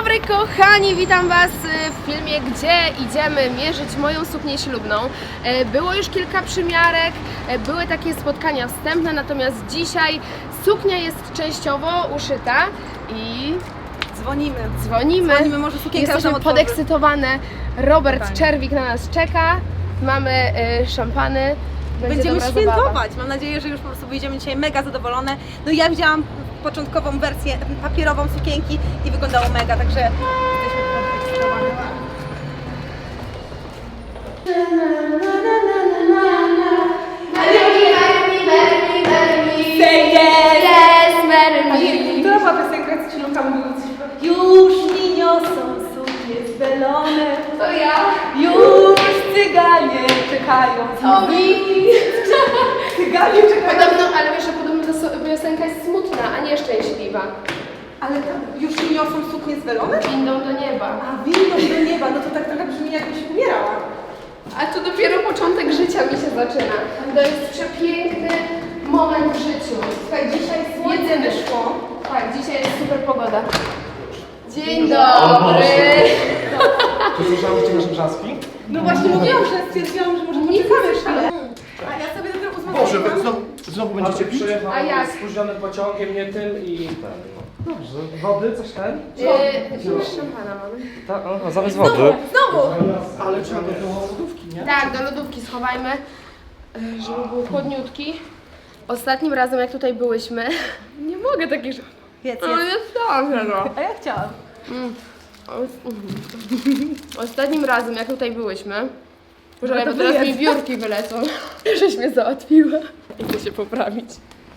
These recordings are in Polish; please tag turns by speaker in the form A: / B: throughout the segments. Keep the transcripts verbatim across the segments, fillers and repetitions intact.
A: dobry kochani, witam Was w filmie, gdzie idziemy mierzyć moją suknię ślubną. Było już kilka przymiarek, były takie spotkania wstępne, natomiast dzisiaj suknia jest częściowo uszyta i
B: dzwonimy.
A: Dzwonimy,
B: Dzwonimy, może sukienka
A: jesteśmy
B: nam
A: podekscytowane. Robert
B: Fajnie.
A: Czerwik na nas czeka, mamy y, szampany. Będzie
B: Będziemy
A: dobra
B: świętować.
A: zabawa.
B: Mam nadzieję, że już po prostu wyjdziemy dzisiaj mega zadowolone. No ja widziałam początkową wersję papierową sukienki i wyglądało mega, także jesteśmy podekscytowane. Która była piosenka, co ci Luka mówiła? Już mi niosą suknie zbelone.
A: To ja.
B: Już cyganie czekają.
A: To mi.
B: Cyganie czekają.
A: Podobno, ale wiesz, że podobno ta so- piosenka jest smutna, a nie szczęśliwa.
B: Ale to już mi niosą suknie zbelone?
A: Windą do nieba.
B: A windą do nieba, no to tak trochę brzmi, jakbyś umierała.
A: A to dopiero początek życia mi się zaczyna. To jest przepiękny moment w życiu. Słuchaj, dzisiaj słońce
B: Jedyny.
A: wyszło. Tak, dzisiaj jest super pogoda. Dzień
C: O
A: dobry.
C: Boże. Czy słyszałeś, że masz brzaski?
B: No właśnie mówiłam, że stwierdziłam, że może
A: Nie
B: poczekamy
A: słyszę.
B: chwilę. A ja sobie dopiero uzmę.
C: Boże, wy znowu, znowu będziecie pić?
D: Przyjechał
A: A jak?
D: spóźnionym pociągiem, nie tym i ten. No. Dobrze. Wody, coś ten?
A: Yy, już szampana mamy.
D: Tak, aha, zamiast
B: Znowu,
D: wody.
B: znowu!
D: Ale trzeba do lodówki, nie?
A: Tak, do lodówki schowajmy, yy, żeby był chłodniutki. Ostatnim razem, jak tutaj byłyśmy, nie mogę takich rzeczy.
B: Wiec,
A: Ale jest dobrze, no.
B: A ja chciałam.
A: Ostatnim razem, jak tutaj byłyśmy,
B: No
A: Boże,
B: to
A: bo teraz mi
B: wyjedz.
A: biurki wylecą, żeś mnie załatwiła. Idę się poprawić.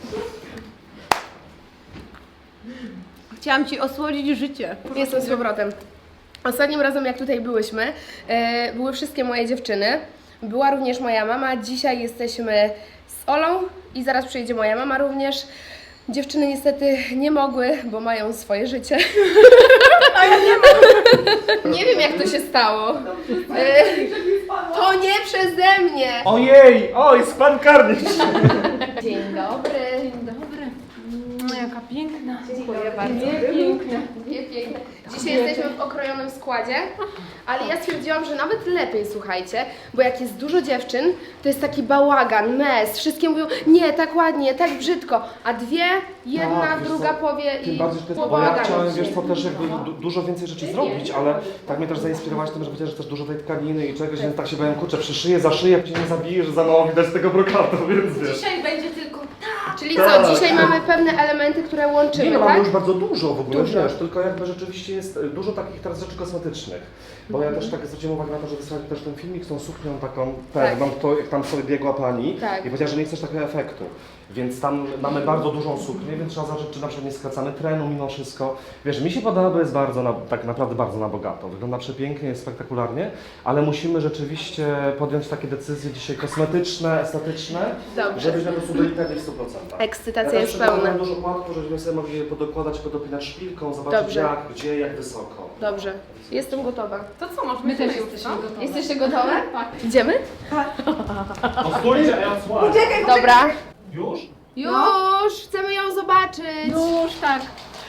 B: Chciałam ci osłodzić życie.
A: Jestem z powrotem. Ostatnim razem, jak tutaj byłyśmy, e, były wszystkie moje dziewczyny. Była również moja mama. Dzisiaj jesteśmy z Olą i zaraz przyjedzie moja mama również. Dziewczyny niestety nie mogły, bo mają swoje życie. A ja nie mam. Nie wiem, jak to się stało. E, to nie przeze mnie.
D: Ojej! Oj, spadł karnik!
A: Dzień dobry.
B: Dzień dobry. No jaka piękna.
A: Dziękuję bardzo. Dwie piękne. Dwie piękne. Dzisiaj jesteśmy w okrojonym składzie, ale ja stwierdziłam, że nawet lepiej, słuchajcie, bo jak jest dużo dziewczyn, to jest taki bałagan, mes, wszystkie mówią, nie, tak ładnie, tak brzydko, a dwie, jedna,
C: Tak, wiesz
A: druga
C: co,
A: powie i
C: Tym bardziej, że to jest,
A: po
C: bo ja
A: bałaganie
C: chciałem,
A: się.
C: wiesz co, też jakby du dużo więcej rzeczy zrobić, ale tak mnie też zainspirowałaś tym, że powiedziałeś, że też dużo tej tkaniny i czegoś, więc tak się bałem, kurczę, przyszyję, zaszyję, jak cię nie zabije, że za mało widać tego brokatu, więc wiesz.
B: Dzisiaj będzie tylko
A: Czyli
C: Tak.
A: co, dzisiaj mamy pewne elementy, które
C: Nie,
A: łączymy,
C: no
A: tak?
C: mamy już bardzo dużo w ogóle,
A: Dużo.
C: wiesz, tylko jakby rzeczywiście jest e, dużo takich teraz rzeczy kosmetycznych. Bo ja też tak zwróciłem uwagę na to, że wysłali też ten filmik z tą suknią taką pewną, to jak tam sobie biegła pani
A: Tak.
C: i powiedziała, że nie chcesz takiego efektu. Więc tam mamy bardzo dużą suknię, więc trzeba zacząć, czy na przykład nie skracamy trenu mimo wszystko. Wiesz, mi się podoba, bo jest bardzo, na, tak naprawdę bardzo na bogato. Wygląda przepięknie, jest spektakularnie, ale musimy rzeczywiście podjąć takie decyzje dzisiaj kosmetyczne, estetyczne,
A: Dobrze.
C: żebyśmy po prostu byli pewni w stu procentach.
A: Ekscytacja
C: Ja
A: jest
C: też przygotowałem
A: pełna.
C: dużo płatków, żebyśmy sobie mogli je podokładać, podopinać szpilką, zobaczyć
A: Dobrze.
C: jak, gdzie, jak wysoko.
A: Dobrze, jestem gotowa.
B: To co, możemy
E: My też
B: sobie
E: jesteśmy
B: uczyć,
E: gotowe.
A: Jesteście gotowe? Tak. Idziemy?
D: Postójcie, a ja odsłaniam.
B: Poczekaj,
A: Dobra.
D: Już?
A: Już, chcemy ją zobaczyć.
E: Już tak.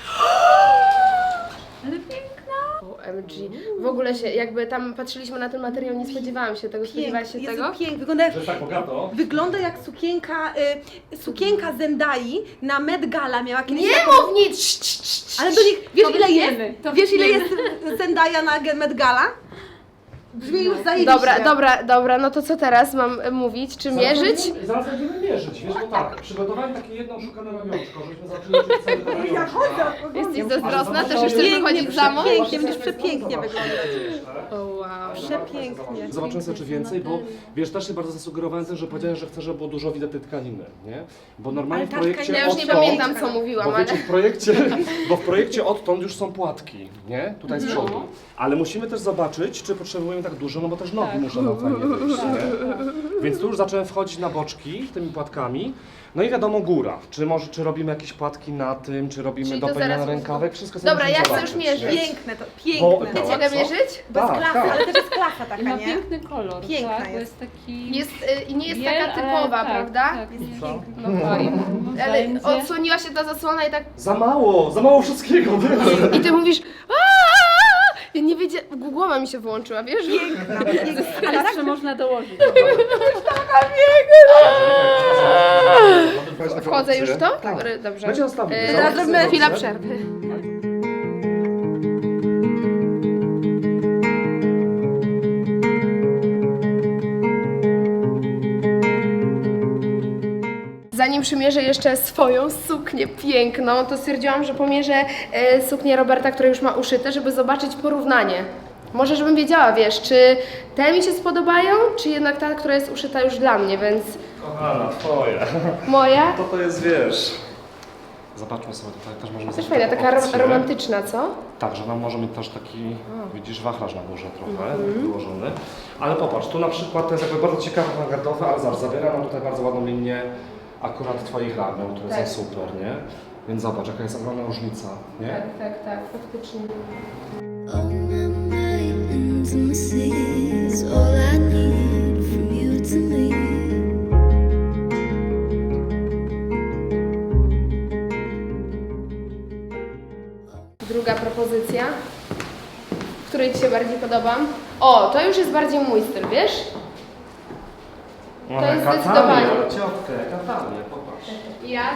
E: Ale piękna.
A: O M G. W ogóle się, jakby tam patrzyliśmy na ten materiał, nie spodziewałam się tego. Spodziewałaś się
B: Jezu,
A: tego?
B: pięknie. Wygląda jak,
D: Że tak bogato?
B: wygląda jak sukienka, y, sukienka Zendai na Met Gala miała kiedyś
A: Nie
B: taką-
A: mów nic! Cii, cii, cii.
B: Ale do nich, wiesz
E: To
B: ile
E: wytniemy,
B: jest?
E: to
B: Wiesz ile jest
E: wytniemy.
B: Zendaya na Met Gala? Brzmi już zajebiście.
A: Dobra, dobra, dobra, no to co teraz mam e, mówić? Czy mierzyć?
D: Zaraz będziemy, zaraz będziemy mierzyć, wiesz, bo tak, przygotowałem takie jedno oszukane ramionczko, żebyśmy zaczęli czuć całe to
B: Ja chodzę,
D: ramionczka.
A: Jesteś zazdrosna? Też
D: Ale
A: już chcesz
B: pięknie,
A: wychodzić w samo?
B: Pięknie, będziesz przepięknie wyglądać.
A: O wow.
B: Przepięknie.
C: Zobaczymy sobie czy więcej, bo wiesz, też się bardzo zasugerowałem tym, że powiedziałeś, że chcę, żeby było dużo widać tej tkaniny, nie? Bo normalnie
B: Ale
C: w
B: ta
C: projekcie
B: tkanina-
A: Ja już nie
C: odtąd-
A: pamiętam, co mówiłam,
C: Bo
A: ale...
C: wiecie, w projekcie, bo w projekcie odtąd już są płatki, nie? Tutaj z przodu. Ale musimy też zobaczyć, czy potrzebujemy tak dużo, no bo też nogi muszą nam fajnie wyjść, nie? Więc tu już zacząłem wchodzić na boczki tymi płatkami. No i wiadomo góra, czy może, czy robimy jakieś płatki na tym, czy robimy
A: Czyli to
C: dopełniony
A: zaraz-
C: rękawek, wszystko sobie
A: Dobra,
C: musimy
A: ja chcę
C: zobaczyć,
A: już mierzyć.
C: nie?
B: Piękne to,
C: Bo-
B: piękne.
C: bo-
A: Wiecie, jak
C: co?
A: mierzyć?
B: Bez
C: Tak,
B: klasy,
C: tak.
B: ale też jest klasa
E: I
B: taka,
E: ma
B: nie?
E: piękny kolor,
B: Piękna
E: tak?
B: jest.
E: Bo jest taki...
A: Jest, y, i nie jest
E: biel,
A: taka
E: ale
A: typowa,
E: tak,
A: prawda?
E: Tak,
B: Jest
E: nie.
B: piękna.
E: No fajnie.
A: Ale
E: Będzie.
A: odsłoniła się ta zasłona i tak...
C: Za mało, za mało wszystkiego, wiesz?
A: I ty mówisz... "Aaa!" Ja nie wiedziałam, głowa mi się wyłączyła, wiesz?
B: Ale tak,
E: Jeszcze można dołożyć.
A: Wchodzę już w to? Dobry, dobrze.
C: Będzie następny.
A: E,
C: Zaraz
A: Zrobimy
C: zrobimy.
A: chwilę przerwy. Zanim przymierzę jeszcze swoją suknię piękną, to stwierdziłam, że pomierzę e, suknię Roberta, która już ma uszyte, żeby zobaczyć porównanie. Może żebym wiedziała, wiesz, czy te mi się spodobają, czy jednak ta, która jest uszyta już dla mnie, więc
C: Kochana, twoje.
A: moja
C: To to jest, wiesz... Zobaczmy sobie tutaj, też możemy
A: też
C: zrobić
A: fajna,
C: taką
A: taka rom-
C: opcję.
A: romantyczna, co?
C: Tak, że nam może mieć też taki, widzisz, wachlarz na górze trochę wyłożony. Ale popatrz, tu na przykład to jest jakby bardzo ciekawe, awangardowe, ale zobacz, zabiera nam tutaj bardzo ładną linię akurat twoich ramion, które
A: Tak.
C: są super, nie? Więc zobacz, jaka jest ogromna różnica, nie?
A: Tak, tak, tak, faktycznie.
F: All my night intimacy is all I need from you to me.
A: Druga propozycja, w której Ci się bardziej podoba. O, to już jest bardziej mój styl, wiesz? To jest zdecydowanie.
C: Ciotkę, Katanie, popatrz.
A: Jak?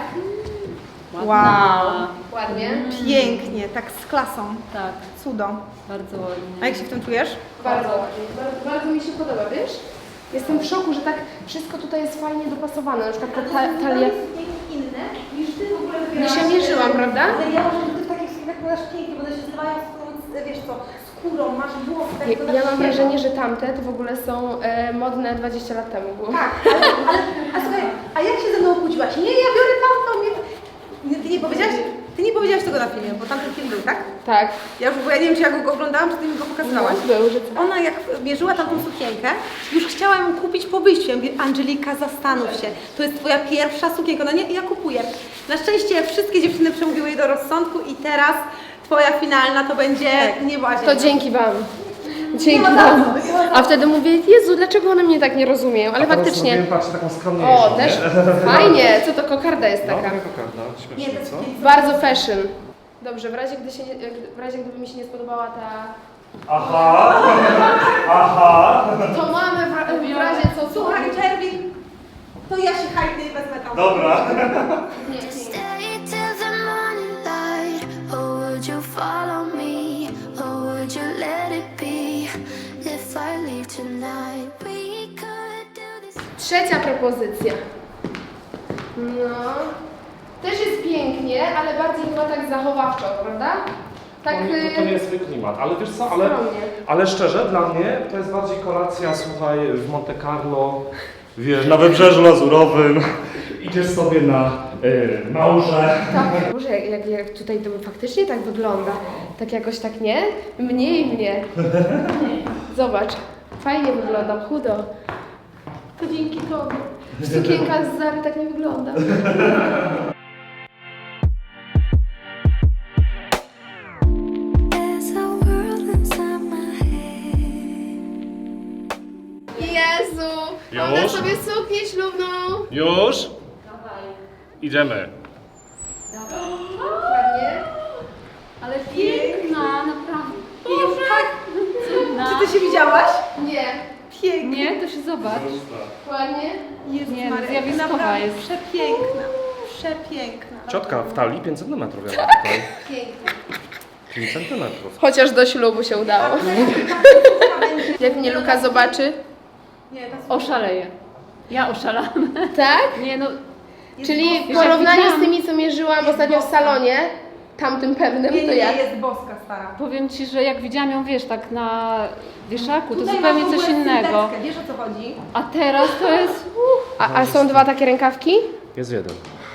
B: wow,
A: Ładnie.
B: pięknie, tak z klasą,
E: Tak,
B: cudo.
E: bardzo ładnie.
B: A jak się w tym czujesz?
A: Bardzo ładnie. Bardzo, bardzo mi się podoba, wiesz? Jestem w szoku, że tak wszystko tutaj jest fajnie dopasowane. Na przykład ta ta- talia.
B: inne niż ty w ogóle
A: Nie się mierzyłam, prawda?
B: Ale ja uważam, że ty w takich sklepach masz pięknie, bo one się zlewają z tą, wiesz co, skórą, masz włosy. tak
A: Ja,
B: wyglądasz
A: ja mam
B: świeżo.
A: wrażenie, że tamte to w ogóle są e, modne dwadzieścia lat temu było.
B: Tak, ale, ale a słuchaj, a jak się ze mną kłóciłaś? Nie, ja biorę tamtą, nie, nie, ty nie powiedziałaś, ty nie powiedziałaś tego na filmie, bo tamten film był, tak?
A: Tak.
B: Ja już, bo ja nie wiem, czy ja go oglądałam, czy ty mi go pokazywałaś.
A: No, był, że co?
B: Ona jak mierzyła tamtą sukienkę, już chciała ją kupić po wyjściu. Ja mówię, Angelika, zastanów się, to jest twoja pierwsza sukienka, no nie, ja kupuję. Na szczęście wszystkie dziewczyny przemówiły jej do rozsądku i teraz twoja finalna to będzie niebłazie.
A: To dzięki Wam. Dzięki Wam. A wtedy mówię, Jezu, dlaczego one mnie tak nie rozumieją? Ale faktycznie.
C: Patrzcie, taką skromniejszą,
A: O, też fajnie. Co to kokarda jest
C: No,
A: taka?
C: taka kokarda,
B: Nie,
C: śmiesznie,
B: to
C: co?
B: jest
A: Bardzo fashion. Dobrze, w razie, gdy się nie, w razie gdyby mi się nie spodobała ta...
C: Aha! Aha!
A: To mamy w, ra- w razie co, co?
B: Słuchaj, Czerwik, to ja się hajdę i wezmę tam.
C: Dobra.
A: Nie, nie.
F: Stay till the morning light, or would you follow me, or would you let it be? If I leave tonight, we could do this.
A: Trzecia propozycja. No. Też jest pięknie, ale bardziej chyba tak zachowawczo, prawda? Tak.
C: To, nie, to, to nie jest swój klimat, ale wiesz co, ale,
A: Skromnie.
C: ale szczerze, dla mnie to jest bardziej kolacja, słuchaj, w Monte Carlo, wiesz, na Wybrzeżu Lazurowym, idziesz sobie na y, małże.
A: Tak, może jak, jak, jak tutaj to faktycznie tak wygląda. Tak jakoś tak nie? Mniej mnie. Zobacz, fajnie wyglądam, chudo. To dzięki tobie. Sukienka z Zary tak nie wygląda.
F: There's a world inside my head.
A: Jezu! Mam na
C: Już?
A: sobie suknię ślubną.
C: Już? Idziemy.
A: Ładnie.
E: Ale piękna, naprawdę.
B: Już tak.
E: Cudna.
B: Czy ty się widziałaś?
A: Nie.
B: Pięknie.
E: Nie, to się zobacz.
A: Ładnie.
B: Jezus
E: Nie, no,
B: Maria,
E: zjawiskowa
B: naprawdę
E: jest.
B: Przepiękna, przepiękna.
C: Ciotka w talii pięć centymetrów ja mam tutaj.
A: Pięknie.
C: pięć centymetrów.
A: Chociaż do ślubu się udało. Jak mnie Luka zobaczy.
B: Nie, ta
E: Oszaleję. Ja oszalałam.
A: Tak?
E: Nie no,
A: Czyli w
E: Wiesz, jak
A: porównaniu z
E: widziałam-
A: tymi, co mierzyłam ostatnio w salonie, tamtym pewnym,
B: nie,
A: to
B: nie,
A: jak?
B: jest boska stara.
E: powiem Ci, że jak widziałam ją, wiesz, tak na wieszaku, to
B: Tutaj
E: zupełnie
B: masz w
E: coś
B: ogóle
E: innego.
B: sylwetkę, wiesz o co chodzi?
E: A teraz to jest...
A: A, a są dwa takie rękawki?
C: Jest jeden.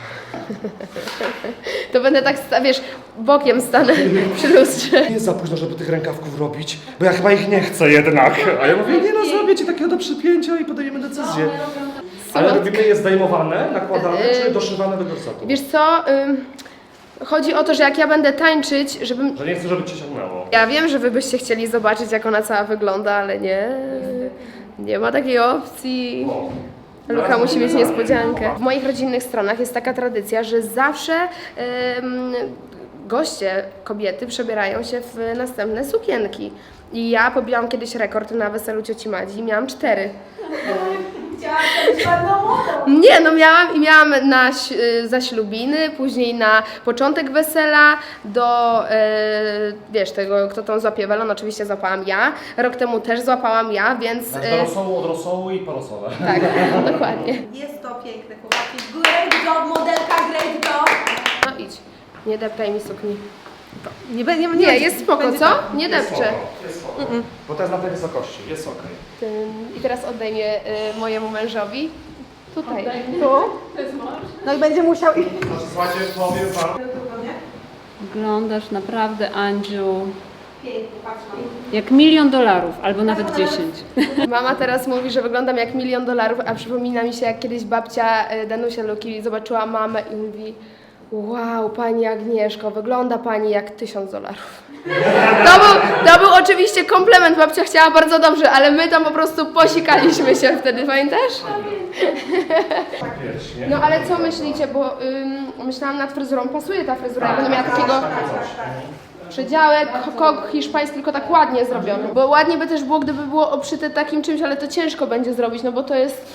A: To będę tak, sta- wiesz, bokiem stanę przy lustrze.
C: Nie jest za późno, żeby tych rękawków robić, bo ja chyba ich nie chcę jednak. A ja mówię, nie no, zrobię ci takiego do przypięcia i podejmiemy decyzję. Ale robimy je zdejmowane, nakładane, czy doszywane do gorsetu?
A: Wiesz co, ym, chodzi o to, że jak ja będę tańczyć, żebym...
C: Że nie chcę, żeby cię ciągnęło.
A: Ja wiem, że wy byście chcieli zobaczyć, jak ona cała wygląda, ale nie, nie ma takiej opcji.
C: O.
A: Luka musi mieć niespodziankę. W moich rodzinnych stronach jest taka tradycja, że zawsze em, goście, kobiety przebierają się w następne sukienki. I ja pobiłam kiedyś rekord na weselu cioci Madzi, miałam cztery.
B: Chciałam być ładną modą.
A: Nie, no miałam i miałam na ś- y, zaślubiny, później na początek wesela, do, y, wiesz, tego, kto tą złapie welon, oczywiście złapałam ja. Rok temu też złapałam ja, więc...
C: Znaczy
A: y,
C: do rosołu, od rosołu i porosowe.
A: tak, dokładnie.
B: Jest to piękne, chłopaki. Great job, modelka, great job.
A: No idź, nie deptaj mi sukni.
B: Nie, nie, nie,
A: Nie, jest spoko,
B: będzie
A: co?
B: tak.
A: Nie
C: Jest
A: depczę.
C: spoko, jest spoko. Bo to jest na tej wysokości, jest okej.
A: Tym- I teraz oddejmie y, mojemu mężowi. Tutaj.
B: Tu. No i będzie musiał iść.
C: Znaczy, słuchajcie, powiem wam...
E: Wyglądasz naprawdę, Andziu,
B: Pięknie, patrz na to.
E: jak milion dolarów, albo nawet dziesięć.
A: Mama teraz mówi, że wyglądam jak milion dolarów, a przypomina mi się, jak kiedyś babcia y, Danusia Luki zobaczyła mamę i mówi: wow, pani Agnieszko, wygląda pani jak tysiąc dolarów. To był, to był oczywiście komplement, babcia chciała bardzo dobrze, ale my tam po prostu posikaliśmy się wtedy, pamiętasz?
C: Wiesz, nie?
A: No ale co myślicie, bo ym, myślałam nad fryzurą, pasuje ta fryzura, ja będę miała takiego przedziałek, kok hiszpański, tylko tak ładnie zrobiony, bo ładnie by też było, gdyby było obszyte takim czymś, ale to ciężko będzie zrobić, no bo to jest...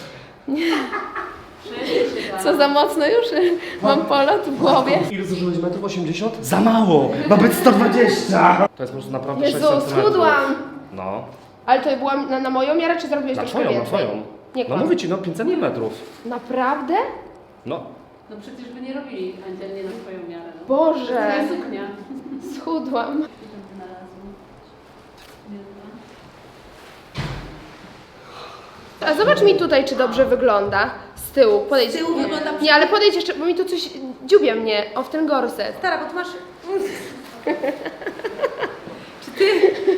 A: Co za mocno już? Mam polot w głowie.
C: Ile zużyłeś metrów osiemdziesiąt? Za mało! Ma być sto dwadzieścia! To jest po prostu naprawdę sześć
A: Jezu,
C: centymetrów.
A: schudłam!
C: No.
A: Ale to była na, na moją miarę, czy zrobiłeś
C: Na
A: troszkę
C: twoją, na
A: więcej?
C: twoją.
A: Nie
C: No
A: kłam.
C: mówię ci, no pięć centymetrów.
A: Naprawdę?
C: No.
E: No przecież by nie robili Andzielnie na swoją miarę. No.
A: Boże,
E: suknia.
A: schudłam. A zobacz mi tutaj, czy dobrze wygląda. Z tyłu, podejdź.
B: Z tyłu wygląda
A: Nie, ale podejdź jeszcze, bo mi tu coś dziubie mnie. O, w ten gorset.
B: Stara, bo ty masz... Czy ty...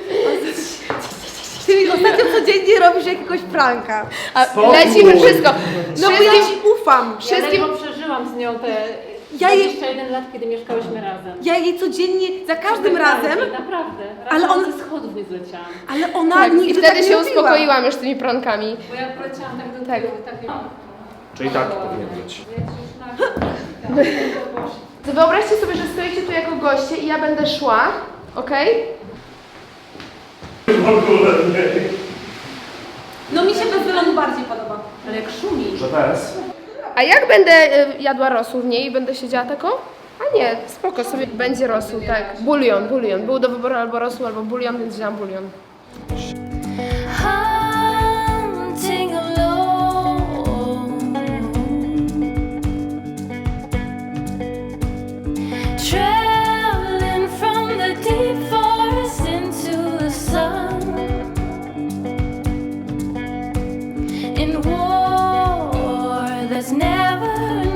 B: Ty ostatnio codziennie robisz jakiegoś pranka.
A: A
C: Spokój.
A: lecimy wszystko.
B: No bo ja
A: Wszystkim,
B: ci ufam.
A: wszystkim,
E: Ja przeżyłam z nią te
B: Ja jej-
E: dwadzieścia jeden lat, kiedy mieszkałyśmy razem.
B: Ja jej codziennie, za każdym razem,
E: Naprawdę.
B: Ale
E: Ale
B: on-
E: on ze schodów nie zleciałam.
B: ale ona
A: tak,
B: nigdy
A: i wtedy
B: tak nie
A: się
B: robiła.
A: uspokoiłam już tymi prankami.
E: Bo ja poleciałam tak do
A: Tak.
E: tyłu, tak nie
C: Czyli tak powinien być.
A: Wyobraźcie sobie, że stoicie tu jako goście i ja będę szła, okej?
B: No mi się bez wylonu bardziej podoba.
E: Ale jak szumi.
C: Że bez?
A: A jak będę y, jadła rosół w niej i będę siedziała taką? A nie, spoko, sobie będzie rosół, tak. Bulion, bulion. Był do wyboru albo rosół, albo bulion, więc wzięłam bulion.
F: Hunting alone, traveling from the deep forest into the sun, in war that's never